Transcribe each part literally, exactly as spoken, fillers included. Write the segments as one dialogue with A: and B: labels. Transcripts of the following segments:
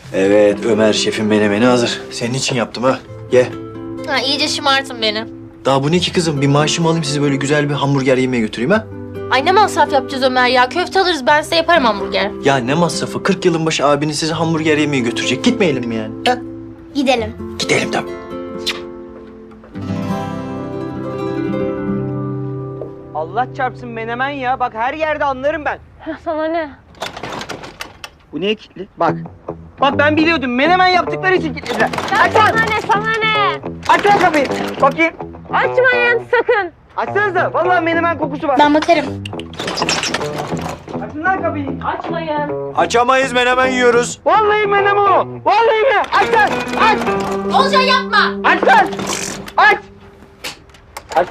A: Evet, Ömer şefin menemeni hazır. Senin için yaptım ha. Ye.
B: Ha, iyice şımartın beni.
A: Daha bu ne ki kızım? Bir maaşımı alayım, sizi böyle güzel bir hamburger yemeye götüreyim ha.
B: Ay ne masraf yapacağız Ömer ya? Köfte alırız, ben size yaparım hamburger.
A: Ya ne masrafı? kırk yılın başı abiniz sizi hamburger yemeye götürecek. Gitmeyelim mi yani? Ha?
B: Gidelim.
A: Gidelim tabii.
C: Allah çarpsın menemen ya. Bak her yerde anlarım ben.
B: Sana ne?
C: Bu niye kilitli? Bak. Bak ben biliyordum. Menemen yaptıkları için kilitlediler. Aç lan!
B: Sana ne, sana ne?
C: Aç lan kapıyı. Bakayım.
B: Açmayın sakın.
C: Açsanıza. Vallahi menemen kokusu var.
B: Ben bakarım.
C: Açın lan kapıyı.
B: Açmayın.
A: Açamayız, menemen yiyoruz.
C: Vallahi menemen o. Vallahi mi? Aç lan. Aç.
B: Olcan yapma.
C: Aç lan. Aç. Aç.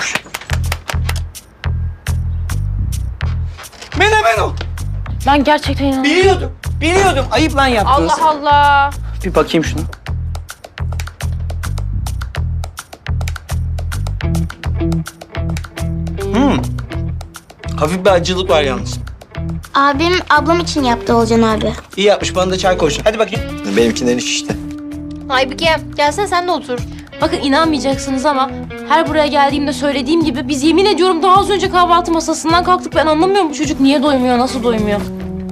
C: Menemen o.
B: Ben gerçekten inanamıyorum.
C: Biliyordum. Biliyordum. Ayıp lan yaptınız.
B: Allah Allah.
C: Bir bakayım şuna. Hmm. Hafif bir acılık var yalnız.
D: Abim ablam için yaptı Olcan abi.
C: İyi yapmış. Bana da çay koysun. Hadi bakayım.
A: Benimkinden iş işte.
B: Aybüke gelsene sen de otur. Bakın inanmayacaksınız ama her buraya geldiğimde söylediğim gibi biz yemin ediyorum daha az önce kahvaltı masasından kalktık. Ben anlamıyorum bu çocuk niye doymuyor, nasıl doymuyor.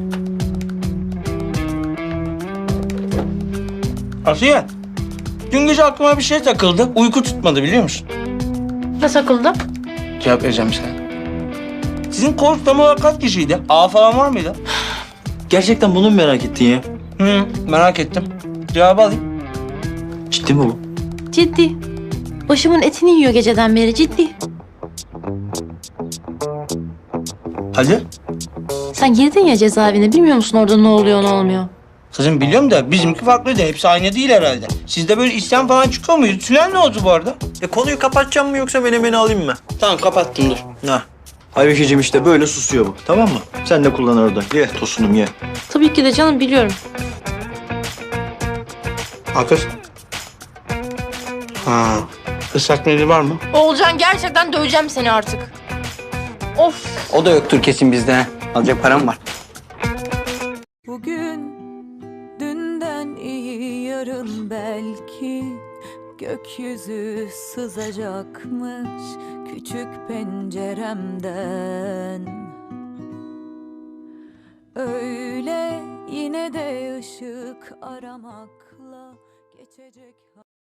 C: Asiye. Dün gece aklıma bir şey takıldı. Uyku tutmadı biliyor musun?
B: Ne sakıldı?
C: Cevap vereceğim sana. Sizin koğuş tam olarak kaç kişiydi? A falan var mıydı?
A: Gerçekten bunu mu merak ettin ya?
C: Hı, merak ettim. Cevabı alayım.
A: Ciddi mi bu?
B: Ciddi. Başımın etini yiyor geceden beri ciddi.
C: Hadi.
B: Sen girdin ya cezaevine bilmiyor musun orada ne oluyor ne olmuyor?
C: Kızım biliyorum da bizimki farklıydı. Hepsi aynı değil herhalde. Sizde böyle isyan falan çıkıyor muydu? Tünel ne oldu bu arada?
A: E konuyu kapatacağım mı yoksa menemeni alayım mı?
C: Tamam kapattım dur.
A: Ha. Aybükeciğim işte böyle susuyor bu. Tamam mı? Sen de kullan orada. Ye tosunum ye.
B: Tabii ki de canım biliyorum.
C: Akız. Ha. Islak mendil var mı?
B: Oğulcan gerçekten döveceğim seni artık. Of.
E: O da yoktur kesin bizde. Alacak param var.
F: Bugün dünden iyi yarın belki gökyüzü sızacakmış küçük penceremden. Öyle yine de ışık aramakla geçecek.